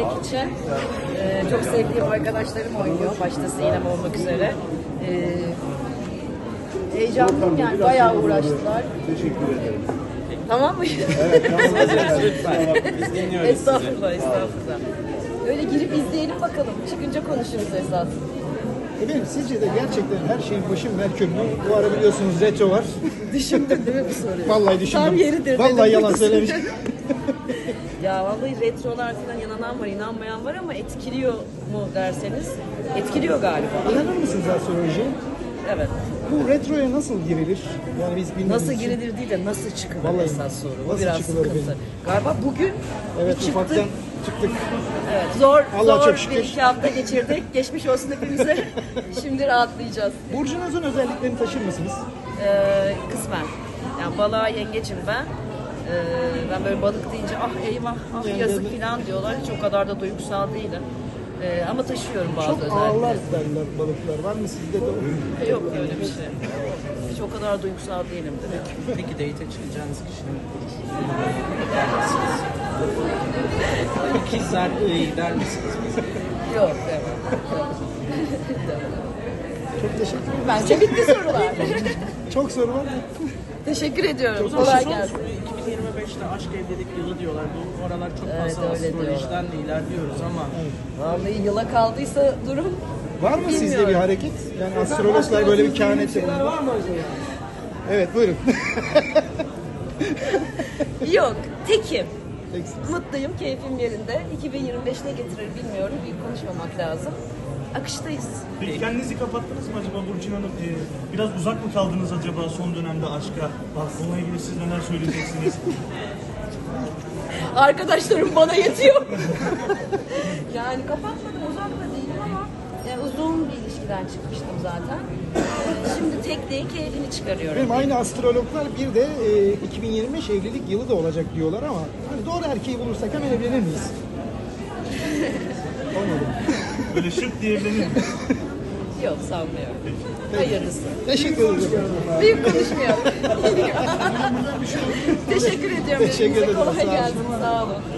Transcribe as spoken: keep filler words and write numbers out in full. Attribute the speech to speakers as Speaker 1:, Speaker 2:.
Speaker 1: için. Ee, çok sevdiğim arkadaşlarım oynuyor. Başta Sinem olmak üzere. Ee, heyecanlıyım yani. Bayağı uğraştılar.
Speaker 2: Teşekkür ederim.
Speaker 1: Tamam mı?
Speaker 2: Evet, tamam.
Speaker 3: Lütfen. Biz dinliyoruz sizi.
Speaker 1: Estağfurullah, estağfurullah. Öyle girip izleyelim bakalım. Çıkınca konuşuruz esas.
Speaker 4: Efendim sizce de gerçekten her şeyin başı Merkür mü? Bu ara biliyorsunuz retro var.
Speaker 1: Düşündüm değil mi bu soruyu?
Speaker 4: Vallahi düşündüm.
Speaker 1: Tam yeridir.
Speaker 4: Vallahi
Speaker 1: dedim.
Speaker 4: yalan söylemiş.
Speaker 1: Ya vallahi retrolar falan inanan var, inanmayan var ama etkiliyor mu derseniz etkiliyor galiba.
Speaker 4: İnanır mısınız astrolojiye?
Speaker 1: Evet.
Speaker 4: Bu retroya nasıl girilir? Yani biz bilmiyoruz.
Speaker 1: Nasıl girilir değil de nasıl çıkılır
Speaker 4: Vallahi
Speaker 1: esas soru. Bu
Speaker 4: nasıl
Speaker 1: biraz
Speaker 4: çıkılır
Speaker 1: sıkıntı.
Speaker 4: benim?
Speaker 1: Galiba bugün
Speaker 4: Evet,
Speaker 1: bir çıktık.
Speaker 4: ufaktan çıktık.
Speaker 1: Evet, zor,
Speaker 4: Allah
Speaker 1: zor
Speaker 4: çok şükür.
Speaker 1: bir iki hafta geçirdik. Geçmiş olsun hepimize. Şimdi rahatlayacağız.
Speaker 4: Burcunuzun özelliklerini taşır mısınız?
Speaker 1: Ee, kısmen. Yani balığa yengeçim ben. Ee, ben böyle balık deyince ah eyvah, ah
Speaker 4: Yani
Speaker 1: yazık
Speaker 4: yani-
Speaker 1: falan diyorlar. Hiç o kadar da duygusal değilim. Ee, ama taşıyorum bazı
Speaker 4: Çok
Speaker 1: özellikleri.
Speaker 4: ağırlar derler balıklar. Var mı sizde de? o?
Speaker 1: Yok öyle bir şey. Hiç o kadar duygusal değilimdir.
Speaker 3: Peki date'e çıkacağınız kişinin İkizler iyi gider misiniz?
Speaker 1: Yok, evet.
Speaker 4: Çok teşekkür ederim.
Speaker 1: Bence bitti sorular.
Speaker 4: Çok soru var.
Speaker 1: Teşekkür ediyorum.
Speaker 3: Son
Speaker 1: Kolay
Speaker 3: soru,
Speaker 1: gelsin.
Speaker 3: iki bin yirmi beşte aşk evlilik yılı diyorlar. Bu aralar çok
Speaker 1: Evet,
Speaker 3: fazla
Speaker 1: öyle
Speaker 3: astrolojiden de ilerliyoruz ama
Speaker 1: Vallahi yıla kaldıysa durum.
Speaker 4: Var mı sizde
Speaker 1: Bilmiyorum.
Speaker 4: bir hareket? Yani astrologlar böyle bir kehanet yapıyor.
Speaker 3: var mı acaba?
Speaker 4: Evet buyurun.
Speaker 1: Yok, tekim.
Speaker 4: Peki.
Speaker 1: Mutluyum, keyfim yerinde. iki bin yirmi beş ne getirir bilmiyorum. Büyük konuşmamak lazım. Akıştayız.
Speaker 5: Peki kendinizi kapattınız mı acaba Burçin Hanım? Ee, biraz uzak mı kaldınız acaba son dönemde aşka? Bununla ilgili siz neler söyleyeceksiniz?
Speaker 1: Arkadaşlarım bana yetiyor. Yani kapatmadım, uzak da değilim ama yani uzun bir ilişkiden çıkmıştım zaten. Ee, Şimdi tekneyi keyfini çıkarıyorum.
Speaker 4: Benim aynı astrologlar bir de e, iki bin yirmi beş evlilik yılı da olacak diyorlar ama hani doğru erkeği bulursak hemen evlenir miyiz? Olmadı.
Speaker 5: Böyle şık diye evlenir mi?
Speaker 1: Yok, sanmıyorum. Hayırlısı.
Speaker 4: Teşekkür ederim.
Speaker 1: Büyük konuşmayalım. Teşekkür ediyorum.
Speaker 4: Teşekkür
Speaker 1: Hepinize
Speaker 4: ederim, sağ
Speaker 1: kolay
Speaker 4: olun.
Speaker 1: gelsin. Sağ olun.